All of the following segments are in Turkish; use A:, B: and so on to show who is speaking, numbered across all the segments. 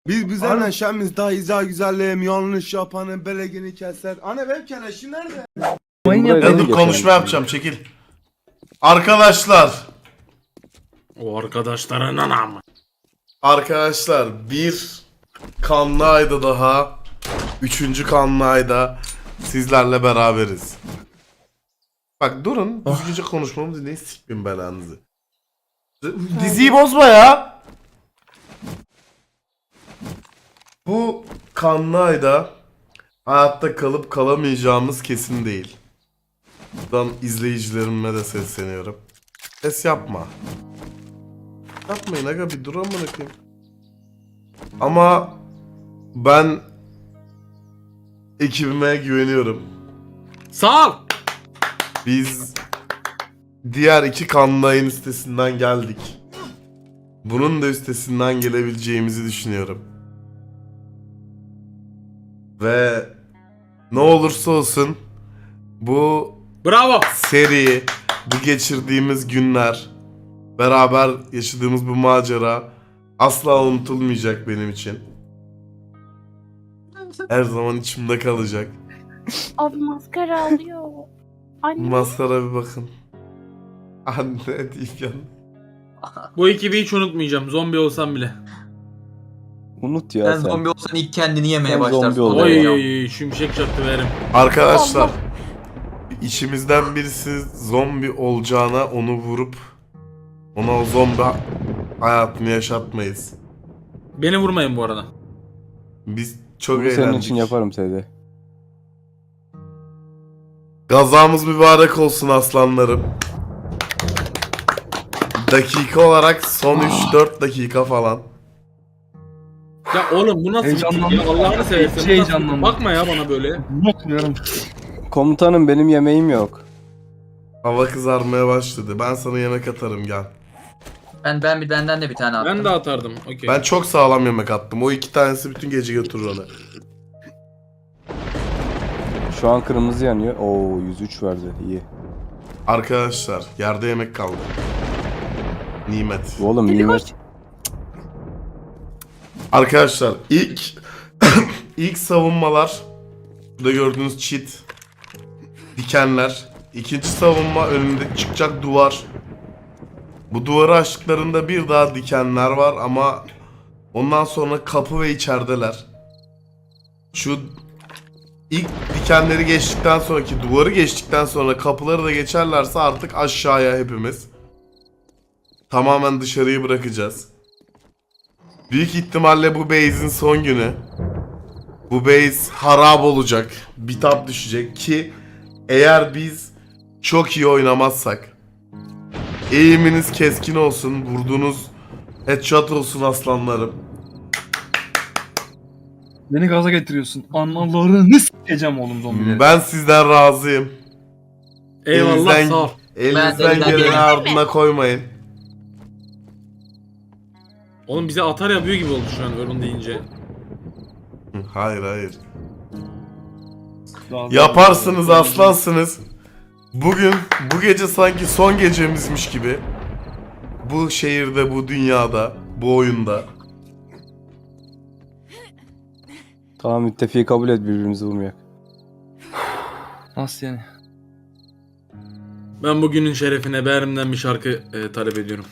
A: Biz bize neşemiz daha izah güzelliğim yanlış yapanın belegini keser. Anne benim keleşim nerede?
B: Ya dur konuşma yapacağım çekil. Arkadaşlar.
C: O arkadaşlara nanam.
B: Arkadaşlar bir kanlı ayda daha 3. kanlı ayda sizlerle beraberiz. Bak durun düzgünce konuşmamı dinleyin sikmin belanızı. Diziyi bozma ya. Bu kanlı ayda hayatta kalıp kalamayacağımız kesin değil. Buradan izleyicilerime de sesleniyorum. Ses yapma. Yapmayın aga bir dur amına koyayım. Ama ben ekibime güveniyorum.
C: Sağ ol.
B: Biz diğer 2 kanlı ayın üstesinden geldik. Bunun da üstesinden gelebileceğimizi düşünüyorum. Ve ne olursa olsun bu
C: Bravo.
B: seri, bu geçirdiğimiz günler, beraber yaşadığımız bu macera asla unutulmayacak benim için. Her zaman içimde kalacak.
D: Abi maskara alıyor. Anne.
B: Maskara bir bakın. Anne deyip yan.
C: Bu ekibi hiç unutmayacağım. Zombi olsam bile.
E: Unut ya
F: Sen
E: sen.
F: zombi olsan ilk kendini yemeye
E: Sen
F: başlarsın.
E: zombi ol.
C: Oy şimşek çaktı verim.
B: Arkadaşlar içimizden birisi zombi olacağına onu vurup ona o zombi hayatını yaşatmayız.
C: Beni vurmayın bu arada.
B: Biz çok
E: Bunu
B: eğlendik.
E: senin için yaparım Seydi.
B: Gazamız mübarek olsun aslanlarım. Dakika olarak son 3-4 dakika falan.
C: Ya oğlum bu nasıl bir
G: Heyecanlandım.
C: ya Allah'ını seversen.
G: Hiç
C: bu nasıl-
G: heyecanlandım.
C: Bakma ya bana böyle.
G: Unutmuyorum.
E: Komutanım benim yemeğim yok.
B: Hava kızarmaya başladı. Ben sana yemek atarım gel.
F: Benden de bir tane attım.
C: Ben de atardım. Okey.
B: Ben çok sağlam yemek attım. O 2 tanesi bütün gece götürür onu.
E: Şu an kırmızı yanıyor. Oo 103 verdi. İyi.
B: Arkadaşlar yerde yemek kaldı. Nimet.
E: Oğlum nimet.
B: Arkadaşlar ilk savunmalar burada gördüğünüz çit dikenler. İkinci savunma önünde çıkacak duvar. Bu duvarı açtıklarında bir daha dikenler var ama ondan sonra kapı ve içerideler. Şu ilk dikenleri geçtikten sonraki duvarı geçtikten sonra kapıları da geçerlerse artık aşağıya hepimiz tamamen dışarıyı bırakacağız. Büyük ihtimalle bu base'in son günü. Bu base harap olacak. Bitap düşecek ki eğer biz çok iyi oynamazsak, eğiminiz keskin olsun, vurduğunuz headshot olsun aslanlarım.
G: Beni gaza getiriyorsun. Analarını s**eceğim oğlum zombileri.
B: Ben sizden razıyım.
C: Eyvallah
B: Elinizden-
C: sağ ol.
B: Elinizden
F: Ben de-
B: geleni ardına koymayın.
C: Oğlum bize atar yapıyor gibi oldu şu an ölüm deyince.
B: Hayır hayır.
G: Daha-
B: Yaparsınız aslansınız. Bugün bu gece sanki son gecemizmiş gibi. Bu şehirde, bu dünyada, bu oyunda.
E: Tamam müttefiği kabul et birbirimizi vurmayak.
G: Nasıl yani?
C: Ben bugünün şerefine Behrim'den bir şarkı talep ediyorum.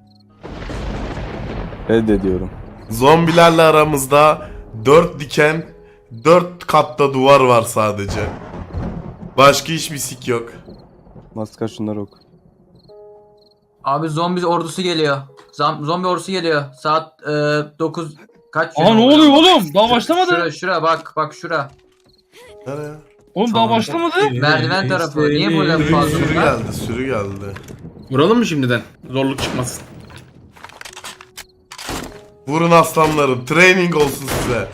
E: Reddediyorum.
B: Zombilerle aramızda 4 diken, 4 katta duvar var sadece. Başka hiçbir sik yok.
E: Maskar şunları oku.
F: Abi zombi ordusu geliyor. Zombi ordusu geliyor. Saat 9 kaç?
G: Aa ne oluyor oğlum? Daha başlamadı.
F: Şura bak şura.
B: Nereye?
G: Oğlum daha başlamadı.
F: Merdiven tarafı. Niye böyle
B: Sürü,
F: fazla
B: sürü
F: bunlar?
B: geldi, sürü geldi.
C: Vuralım mı şimdiden? Zorluk çıkmasın.
B: Vurun aslanlarım, training olsun size.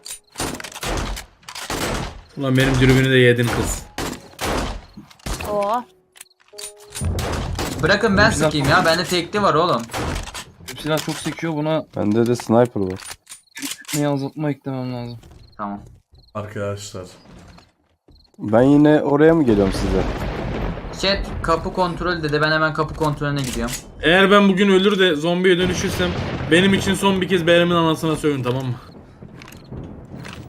C: Ulan benim dürbünü de yedin kız.
D: Oo.
F: Bırakın ben sıkayım ya. Bende tekli var oğlum.
G: Bu silah çok sekiyor, buna
E: Bende de sniper var.
G: ne azaltma eklemem lazım.
F: Tamam.
B: Arkadaşlar.
E: Ben yine oraya mı geliyorum size?
F: Chat kapı kontrol dedi. Ben hemen kapı kontrolüne gidiyorum.
C: Eğer ben bugün ölür de zombiye dönüşürsem benim için son bir kez Behrim'in anasına sövün tamam mı?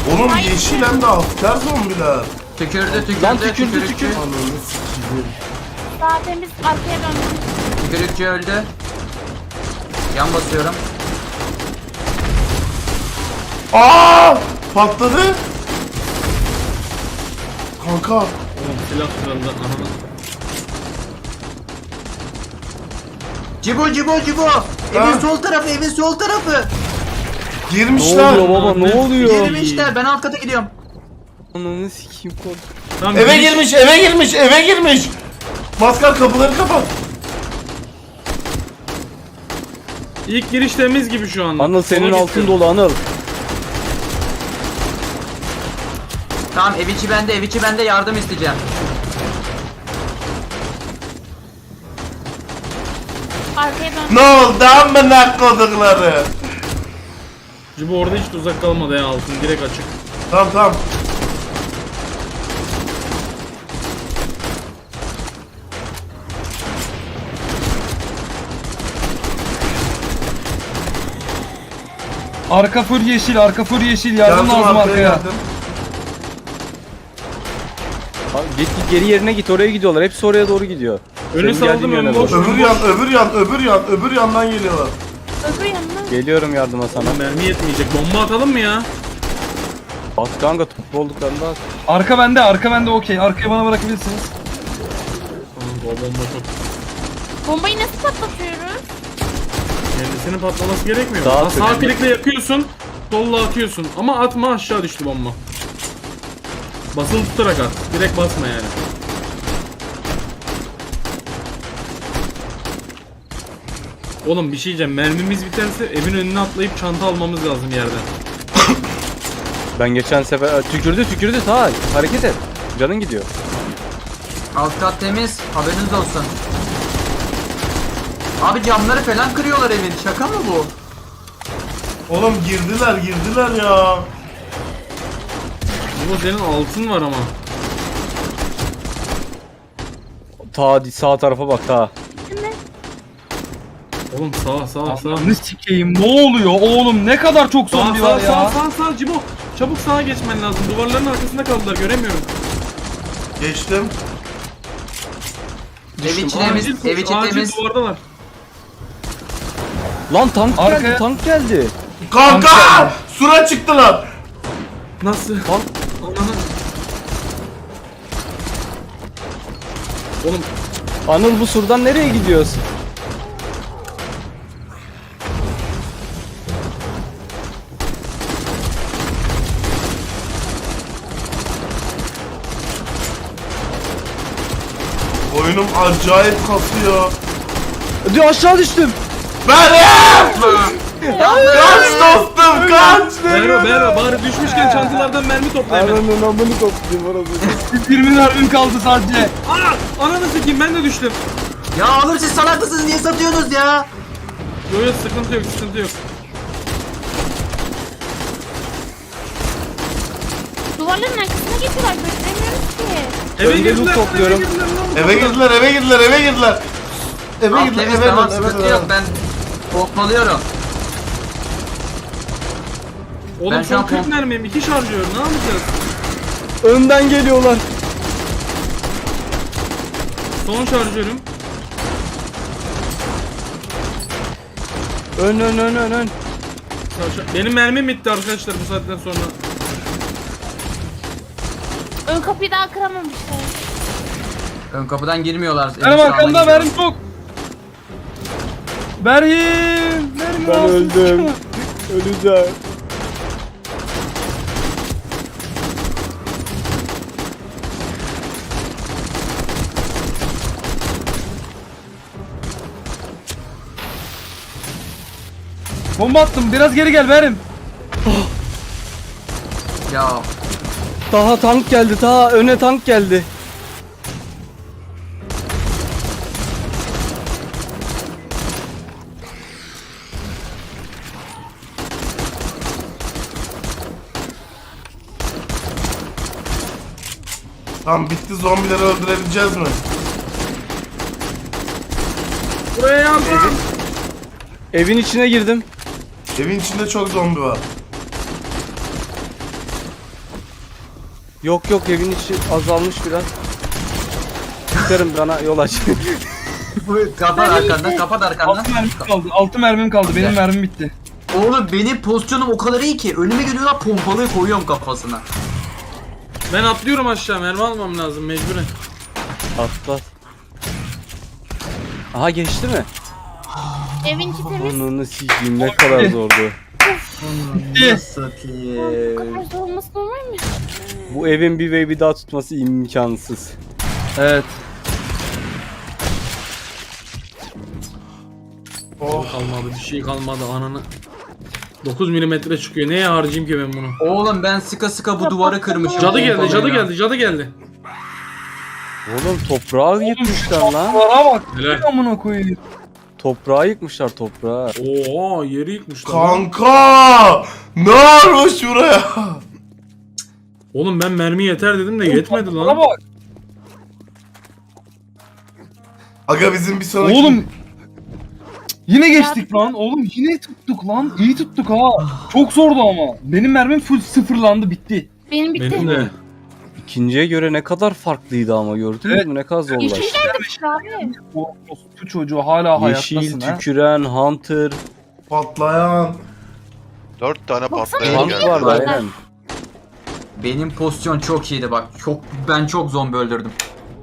B: Oğlum yeşil hem de asker zombiler.
F: Tükürdü.
E: Lan tükürdü.
B: Ananı sikeyim.
D: Sağ temiz, arkaya döndüm.
F: Tükürükçü öldü. Yan basıyorum.
B: Aa! Patladı. Kanka.
C: Oğlum silah kırıldı ananı.
F: Cibo. Evin sol tarafı.
E: Ne
B: Girmişler.
E: oluyor baba ne oluyor?
F: Girmişler. Ben alt kata gidiyorum.
E: Ananı sikeyim kork.
C: Tamam,
B: Eve girmiş. Maskar kapıları kapat.
C: İlk giriş temiz gibi şu anda.
E: Anıl senin
C: Sola
E: altın
C: gitti.
E: dolu Anıl.
F: Tamam ev içi bende yardım isteyeceğim.
D: Arkaya döndüm.
B: Ne oldu amına kodukları?
C: Cibo orada hiç uzak kalmadı ya altın direkt açık.
B: Tamam.
G: Arka full yeşil yardım lazım arkaya.
B: yardım.
E: Abi git geri yerine git oraya gidiyorlar. Hepsi oraya doğru gidiyor.
C: Önü
E: Senin
C: saldım
E: geldiğin
C: ön
E: yöne
C: boş.
E: doğru.
B: Öbür yandan geliyorlar.
D: Öbür yanına.
E: Geliyorum yardıma sana.
C: Mermi yetmeyecek. Bomba atalım mı ya?
E: At kanka toplu olduklarında at.
G: Arka bende okey. Arkaya bana bırakabilirsiniz.
C: Kanka o bomba çok.
D: Bombayı nasıl patlatıyoruz?
C: Kendisinin patlaması gerekmiyor.
E: Sağ
C: Sağ
E: tık.
C: klikle yakıyorsun. Solla atıyorsun. Ama atma aşağı düştü bomba. Basılı tutarak at. Direkt basma yani. Oğlum bir şey diyeceğim. Mermimiz biterse evin önüne atlayıp çanta almamız lazım yerden.
E: Ben geçen sefer tükürdü ta hareket et. Canın gidiyor.
F: Alt kat temiz. Haberiniz olsun. Abi camları falan kırıyorlar evin. Şaka mı bu?
B: Oğlum girdiler ya.
C: Bu senin altın var ama.
E: Ta sağ tarafa bak ta.
C: Oğlum sağ.
G: Ne sikeyim ne oluyor oğlum ne kadar çok zombi var ya.
C: Sağ Cibo. Çabuk sağa geçmen lazım. Duvarların arkasında kaldılar göremiyorum.
B: Geçtim.
F: Ev içi temiz.
C: Acil koş,
F: Ev içi
C: acil
F: temiz.
C: duvardalar.
E: Lan tank geldi
G: Arkaya-
E: tank geldi.
B: Kanka! Sura çıktılar.
C: Nasıl?
E: Tank
C: Ananı. Oğlum
E: Anıl bu surdan nereye gidiyorsun?
B: Oyunum acayip kasıyor.
E: Diyor aşağı düştüm.
B: Benim! Kaç dostum kaç!
C: Bera bari düşmüşken çantalardan mermi topla hemen.
E: Ananın amını koptum orası.
G: 20 mermim kaldı sadece.
C: Aa! Ananı sikeyim ben de düştüm.
F: Ya oğlum siz salak mısınız? Niye satıyorsunuz ya?
C: Yok sıkıntı yok.
D: Duvarların arkasına geçiyorlar. Gösteremiyoruz ki.
C: Eve
E: Önde
C: girdiler.
E: loot topluyorum.
B: Eve girdiler.
F: Alt temiz tamam sıkıntı yok. Ben pompalıyorum.
C: Oğlum
F: Ben şu an
C: son 40 mermim 2 şarjör ne yapacağız?
E: Önden geliyorlar.
C: Son şarjörüm.
E: Ön.
C: Benim mermim bitti arkadaşlar bu saatten sonra.
D: Ön kapıyı daha kıramamışlar.
F: Ön kapıdan girmiyorlar. Evin
G: Benim
F: sağından
G: arkamda
F: giriyorlar.
G: benim çok. Berhim.
E: Ben öldüm. Öleceğim.
G: Bomba attım biraz geri gel Berhim.
F: Ya
E: Daha tank geldi ta öne tank geldi.
B: Tamam bitti, zombileri öldürebileceğiz mi?
C: Buraya yardım.
E: Evin içine girdim.
B: Evin içinde çok zombi var.
E: Yok yok, evin içi azalmış biraz. Çıkarım, bana yol aç.
F: Kapat arkandan, kapat arkandan.
G: 6 mermim kaldı. 6 mermim kaldı. Benim mermim bitti.
F: Oğlum benim pozisyonum o kadar iyi ki önüme geliyorlar, pompalıyı koyuyorum kafasına.
C: Ben atlıyorum aşağı, mermi almam lazım mecburen.
E: Atlat. Aha, geçti mi?
D: Evin içi temiz.
E: Onu sikeyim, ne kadar zordu.
F: Nasıl
D: Bu
F: ki?
D: kadar zor olması normal mi?
E: Bu evin bir wave'i daha tutması imkansız.
G: Evet.
C: Kalmadı, bir şey kalmadı ananı. 9 milimetre çıkıyor. Neye harcayayım ki ben bunu?
F: Oğlum ben sıka sıka bu duvarı kırmışım.
C: Cadı geldi, cadı
F: pompalıyla.
C: geldi, cadı geldi.
E: Oğlum toprağı yıkmışlar lan.
G: Duvara bak.
C: Helal.
G: Amına koyayım.
E: Toprağı yıkmışlar, toprağı.
C: Oo, yeri yıkmışlar. lan.
B: Kanka! Ne varmış buraya?
C: Oğlum ben mermi yeter dedim de yetmedi
G: Duvara
C: lan.
G: bak.
B: Aga bizim bir sonraki...
G: Oğlum. Yine geçtik lan. Oğlum yine tuttuk lan. İyi tuttuk ha. Çok zordu ama. Benim mermim full sıfırlandı, bitti.
D: Benim bitti.
C: Benim de.
E: İkinciye göre ne kadar farklıydı ama, gördünüz
G: Evet.
E: mü? Ne kadar
D: Yeşil
E: zorlaştı.
D: geldi işte abi.
G: O çocuğu hala
E: Yeşil,
G: hayattasın ha.
E: tüküren, Hunter.
B: Patlayan.
H: 4 tane
D: Baksana,
H: patlayan
E: Hunt
H: geldi.
E: vardı aynen.
F: Benim pozisyon çok iyiydi bak. Ben çok zombi öldürdüm.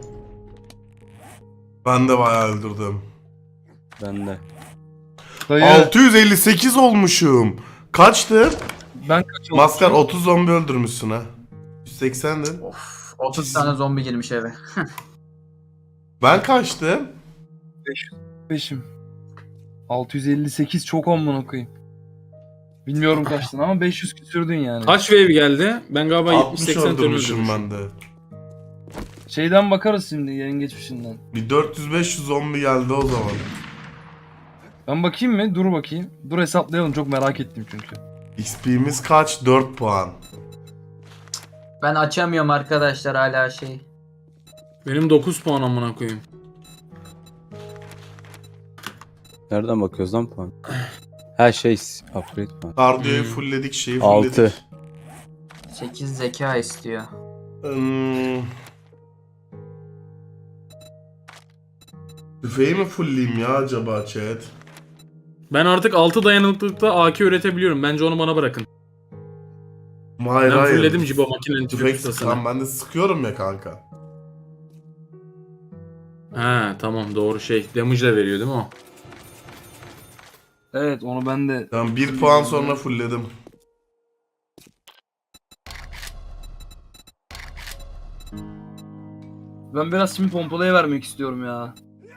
B: Ben de bayağı öldürdüm.
E: Ben de.
G: Dayı,
B: 658 olmuşum. Kaçtı?
G: ben kaç oldum?
B: Maskar 30 zombi öldürmüşsün ha. 180'din.
F: Of, 30 tane zombi girmiş eve.
B: Ben kaçtım?
G: 5'im. 658 çok amına koyayım. Bilmiyorum kaçtın ama 500 küsürdün yani.
C: Kaç wave geldi? Ben galiba
B: 60
C: 70-80 tane
B: öldürmüşüm
C: öldürmüşüm.
B: ben de.
G: Şeyden bakarız şimdi, yayın geçmişinden.
B: Bir 400-500 zombi geldi o zaman.
G: Ben bakayım mı? Dur bakayım. Dur hesaplayalım, çok merak ettim çünkü.
B: XP'miz kaç? 4 puan.
F: Ben açamıyorum arkadaşlar hala şey.
C: Benim 9 puan amına koyayım.
E: Nereden bakıyoruz lan puan? Her şey upgrade puan.
B: Kardiyoyu fullledik, şeyi fullledik.
E: 6.
F: 8 zeka istiyor.
B: Hmm. Tüfeği mi fullleyeyim ya acaba chat?
C: Ben artık 6 dayanıklılıkta AK üretebiliyorum. Bence onu bana bırakın.
B: Hayır
C: Ben
B: hayır.
C: fullledim Cibo makinenin tüfek
B: Tüfek
C: ustasını.
B: sıkan, ben de sıkıyorum ya kanka.
C: He tamam doğru şey. Damage de veriyor değil mi o?
G: Evet, onu ben de...
B: Ben 1 puan sonra fullledim.
G: Ben biraz şimdi pompalıya vermek istiyorum ya.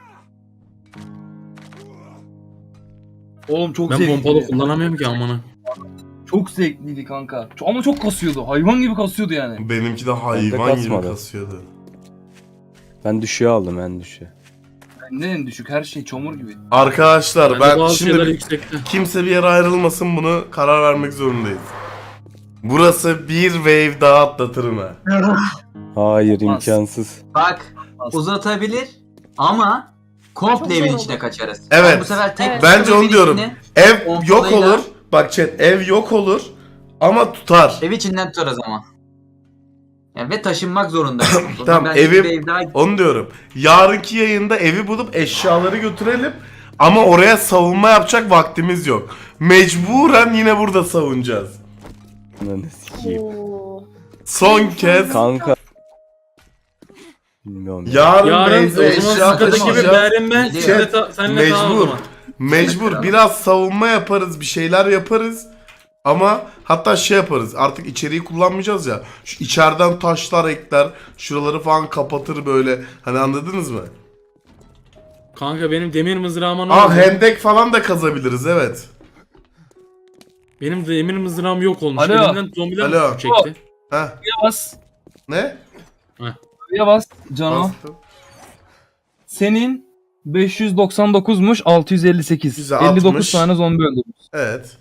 G: Oğlum çok
C: Ben
G: zevkliydi.
C: pompalı kullanamıyorum ki amına.
G: Çok zevkliydi kanka. Ama çok kasıyordu. Hayvan gibi kasıyordu yani.
B: Benimki de hayvan gibi
E: kasmadı.
B: kasıyordu.
E: Ben düşüğe aldım, en düşüğe.
G: Ne en düşük, her şey çamur gibi.
B: Arkadaşlar
C: Bende
B: ben
C: bazı şeyler
B: şimdi
C: yüksekte.
B: kimse bir yere ayrılmasın, bunu karar vermek zorundayız. Burası bir wave daha atlatırım ha.
E: Hayır,
G: Olmaz.
E: imkansız.
F: Bak uzatabilir ama komple evin içine kaçarız.
B: Evet.
F: Ben bu sefer tek
D: Evet.
B: Bence onu
F: evin
B: diyorum.
F: içine-
B: Ev
F: Pompalayla-
B: yok olur. Bak chat, ev yok olur ama tutar.
F: Ev içinden tutarız ama. Yani ve taşınmak zorundayız. O zaman
B: Tamam,
F: bence
B: evi-
F: bir ev daha-
B: Onu diyorum. Yarınki yayında evi bulup eşyaları götürelim. Ama oraya savunma yapacak vaktimiz yok. Mecburen yine burada savunacağız.
E: Ananı sikeyim.
D: Oo.
B: Son kez
E: Kanka. Bilmiyorum ya.
B: yarın
C: Yarın
B: Beyze
C: o zaman
B: eşya
C: sıkıntı gibi
B: taşıyacağız.
C: Berrin ben
F: Chat,
C: senle daha o
B: Mecbur.
C: zaman.
B: Mecbur biraz savunma yaparız, bir şeyler yaparız. Ama hatta şey yaparız, artık içeriği kullanmayacağız ya. Şu içeriden taşlar ekler, şuraları falan kapatır böyle. Hani anladınız mı?
C: Kanka benim demir mızrağıma ne
B: Aa,
C: oldu?
B: hendek falan da kazabiliriz, evet.
C: Benim demir mızrağım yok olmuş.
G: Alo.
C: Elimden zombiler
B: Alo.
C: çekti.
B: Heh,
G: Buraya bas.
B: ne?
G: Buraya bas. Cano.
B: Bastım.
G: Senin 599'muş, 658.
B: Güzel,
G: 59
B: 60.
G: tane zombi öldürmüş.
B: Evet.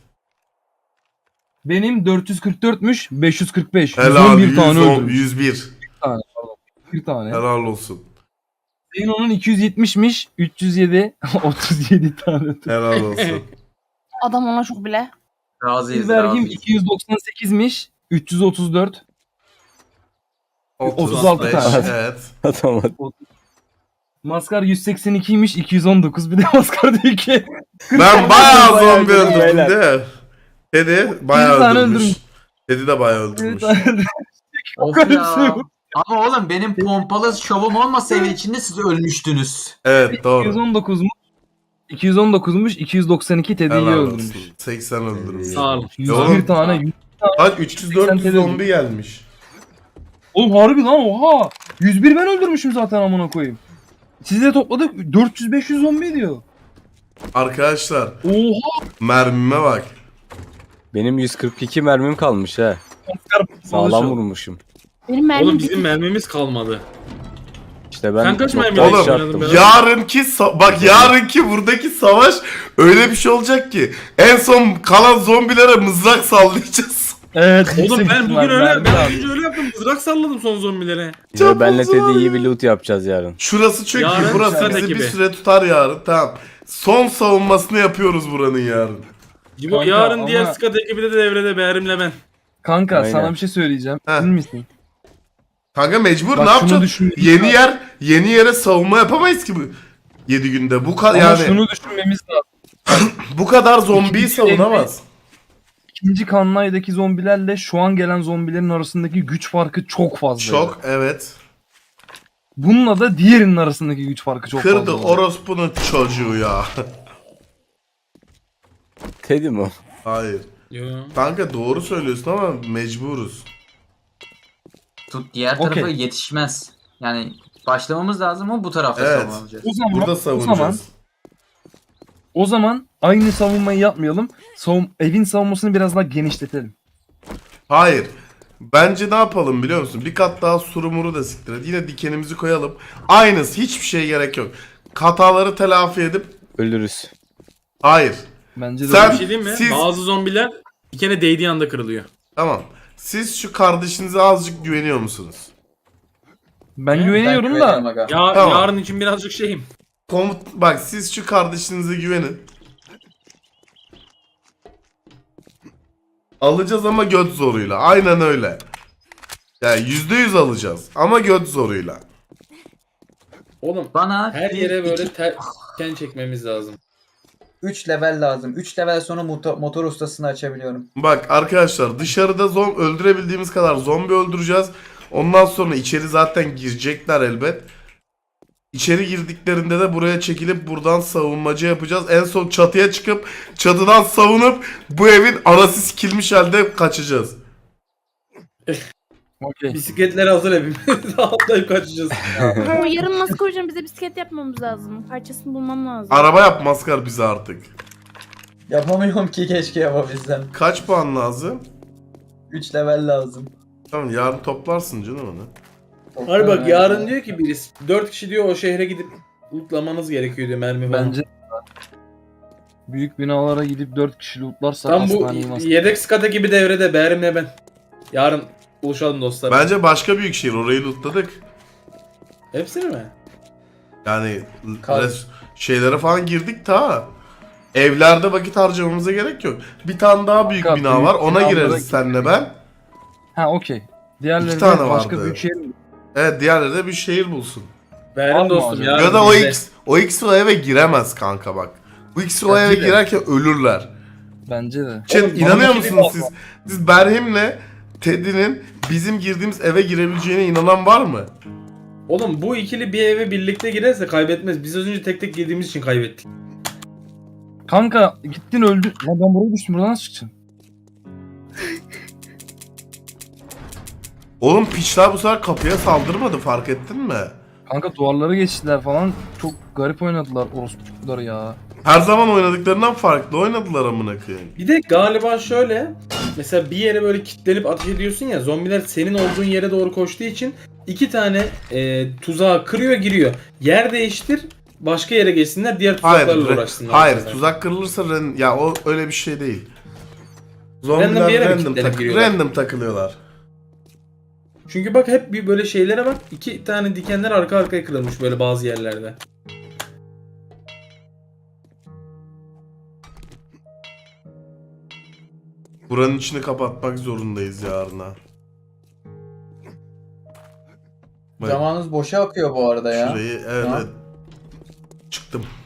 G: Benim 444'müş, 545.
B: Helal,
G: 111 tane
B: 110,
G: öldürmüş.
B: 101.
G: Bir tane.
B: Helal olsun.
G: Senin onun 270'miş, 307, 37 tane öldürmüş.
B: Helal olsun.
D: Adam ona çok bile.
F: Razıyız,
G: Bir vergim
F: razıyız.
G: 298'miş, 334. 36 tane.
B: Evet.
E: Atamadım.
G: Maskar 182'ymiş 219 bir de Maskar diyor ki.
B: Ben bayağı zombi
E: Bayağı
B: öldürdüm
E: beyler.
B: değil mi? Teddy bayağı
G: 100 tane
B: öldürmüş.
G: öldürmüş.
B: Teddy de bayağı öldürmüş.
F: Of
G: Öyle bir
F: ya.
G: şey yok.
F: Ama oğlum benim pompalı şovum olmasa evin içinde siz ölmüştünüz.
B: Evet doğru.
G: 219'muş. 219'muş 292 Teddy'yi
B: Helal
G: öldürmüş.
B: olsun. 80 öldürmüş.
C: Sağ olun.
G: 101 tane. 100
B: Kaç 300-400 zombi gelmiş.
G: Oğlum harbi lan oha. 101 ben öldürmüşüm zaten amına koyayım. Sizle topladık 400-500 zombi diyor.
B: Arkadaşlar
G: Oha.
B: mermime bak.
E: Benim 142 mermim kalmış ha. Sağlam vurmuşum.
D: Benim mermim
C: Oğlum bizim mermimiz kalmadı.
E: İşte ben
C: Sen kaç mermi
E: nokta
B: Oğlum,
E: atışı
C: oynadın
E: attım.
C: be?
B: Bak yarınki buradaki savaş öyle bir şey olacak ki en son kalan zombilere mızrak sallayacağız.
G: Evet.
C: Oğlum
G: yüksek
C: ben
G: ihtimal
C: bugün öyle,
G: mermi
C: ben
G: lazım.
C: önce öyle yaptım. Mızrak salladım son zombilere.
E: Ya benle
B: Çok
E: Teddy iyi bir loot yapacağız yarın.
B: Şurası çünkü
C: Yarın
B: burası
C: dikkat
B: bizi bir
C: ekibi.
B: süre tutar yarın. Tamam. Son savunmasını yapıyoruz buranın yarın.
C: Cibo
G: Kanka,
C: yarın
G: ama-
C: diğer squad ekibi de devrede Behrim'le ben.
G: Kanka
E: Aynen.
G: sana bir şey söyleyeceğim.
B: Heh.
G: Emin misin?
B: Kanka mecbur
G: Bak
B: ne
G: şunu
B: yapacağız?
G: düşünmemiz
B: Yeni yere savunma yapamayız ki bu 7 günde. Bu kadar
G: Ama
B: yani
G: şunu düşünmemiz lazım.
B: bu kadar zombiyi
G: İkinci
B: savunamaz.
G: İkinci kanlaydaki zombilerle şu an gelen zombilerin arasındaki güç farkı çok fazla.
B: Çok evet.
G: Bununla da diğerinin arasındaki güç farkı çok
B: Kırdı
G: fazla.
B: orospunun çocuğu ya.
E: Teddy mi o?
B: Hayır.
C: Yo.
B: Kanka doğru söylüyorsun ama mecburuz.
F: Tut diğer
G: Okey.
F: tarafa yetişmez. Yani başlamamız lazım ama bu tarafta
B: Evet.
F: savunacağız.
G: O zaman,
B: Burada
G: o zaman,
B: savunacağız.
G: o zaman aynı savunmayı yapmayalım. Evin savunmasını biraz daha genişletelim.
B: Hayır. Bence ne yapalım biliyor musun? Bir kat daha surumuru da siktir et. Yine dikenimizi koyalım. Aynısı. Hiçbir şeye gerek yok. Hataları telafi edip
E: Ölürüz.
B: hayır.
G: Bence de
B: Sen-
G: öyle.
C: Bir şey diyeyim mi?
B: Siz-
C: Bazı zombiler bir kere değdiği anda kırılıyor.
B: Tamam. Siz şu kardeşinize azıcık güveniyor musunuz?
G: Ben güveniyorum da.
F: aga.
C: Ya
B: Tamam.
C: yarın için birazcık şeyim.
B: Bak siz şu kardeşinize güvenin. Alacağız ama göt zoruyla. Aynen öyle. Yani %100 alacağız ama göt zoruyla.
C: Oğlum
F: Bana
C: her yere böyle diken çekmemiz lazım.
F: 3 level lazım. 3 level sonra motor ustasını açabiliyorum.
B: Bak arkadaşlar dışarıda öldürebildiğimiz kadar zombi öldüreceğiz. Ondan sonra içeri zaten girecekler elbet. İçeri girdiklerinde de buraya çekilip buradan savunmacı yapacağız. En son çatıya çıkıp çatıdan savunup bu evin arası sikilmiş halde kaçacağız.
G: Okey.
C: Bisikletleri hazır hepimiz. Atlayıp kaçacağız.
D: O yarın nasıl koyacağım? Bize bisiklet yapmamız lazım. Parçasını bulmam lazım.
B: Araba yap maskar bize artık.
F: Yapamıyorum ki keşke yapabilsem.
B: Kaç puan lazım?
F: 3 level lazım.
B: Tamam yarın toplarsın canım onu.
C: Hayır bak yarın diyor ki birisi 4 kişi diyor o şehre gidip lootlamanız gerekiyor diyor mermi falan.
G: Bence büyük binalara gidip 4 kişi lootlarsak
C: Tam bu
G: aslan yemez.
C: yedek squad ekibi devrede Behrim'le ben. Yarın buluşalım dostlar.
B: Bence başka büyük şehir orayı lootladık.
C: Hepsini mi?
B: Yani
F: Kal-
B: şeylere falan girdik ta. Evlerde vakit harcamamıza gerek yok. Bir tane daha büyük
G: Fakat
B: bina
G: büyük
B: var. Ona
G: binalara
B: gireriz senle ben.
G: Ha okey. Diğerleri
B: İki tane
G: de başka
B: vardı.
G: büyük şehir.
B: Evet diğerleri de bir şehir bulsun.
C: Behrim
G: Alma
C: dostum
G: hocam.
C: yarın
B: Ya da
C: bizde.
B: o X o eve giremez kanka bak. Bu X o eve
G: Bence de.
B: girerken ölürler.
G: Bence de.
B: Chat
C: Oğlum,
B: inanıyor
C: bana
B: musunuz
C: bir
B: siz? Siz Berhim'le Teddy'nin bizim girdiğimiz eve girebileceğine inanan var mı?
C: Oğlum bu ikili bir eve birlikte girerse kaybetmez. Biz az önce tek tek girdiğimiz için kaybettik.
G: Kanka gittin öldün. Lan ben buraya düştüm. Buradan nasıl çıkacaksın?
B: Oğlum piçler bu sefer kapıya saldırmadı fark ettin mi?
G: Kanka duvarları geçtiler falan. Çok garip oynadılar orospu çocukları ya.
B: Her zaman oynadıklarından farklı oynadılar amına koyayım.
C: Bir de galiba şöyle. Mesela bir yere böyle kilitlenip ateş ediyorsun ya. Zombiler senin olduğun yere doğru koştuğu için 2 tane tuzağı kırıyor giriyor. Yer değiştir. Başka yere geçsinler. Diğer tuzaklarla uğraşsınlar.
B: hayır
C: mesela.
B: tuzak kırılırsa ya o öyle bir şey değil.
C: Random bir yere mi
B: Zombiler
C: kilitlenip giriyorlar?
B: random takılıyorlar.
C: Çünkü bak hep bir böyle şeylere bak. 2 tane dikenler arka arkaya kırılmış böyle bazı yerlerde.
B: Buranın içini kapatmak zorundayız yarına. Bak,
F: Zamanınız boşa akıyor bu arada ya.
B: şurayı evet,
F: Tamam.
B: evet. Çıktım.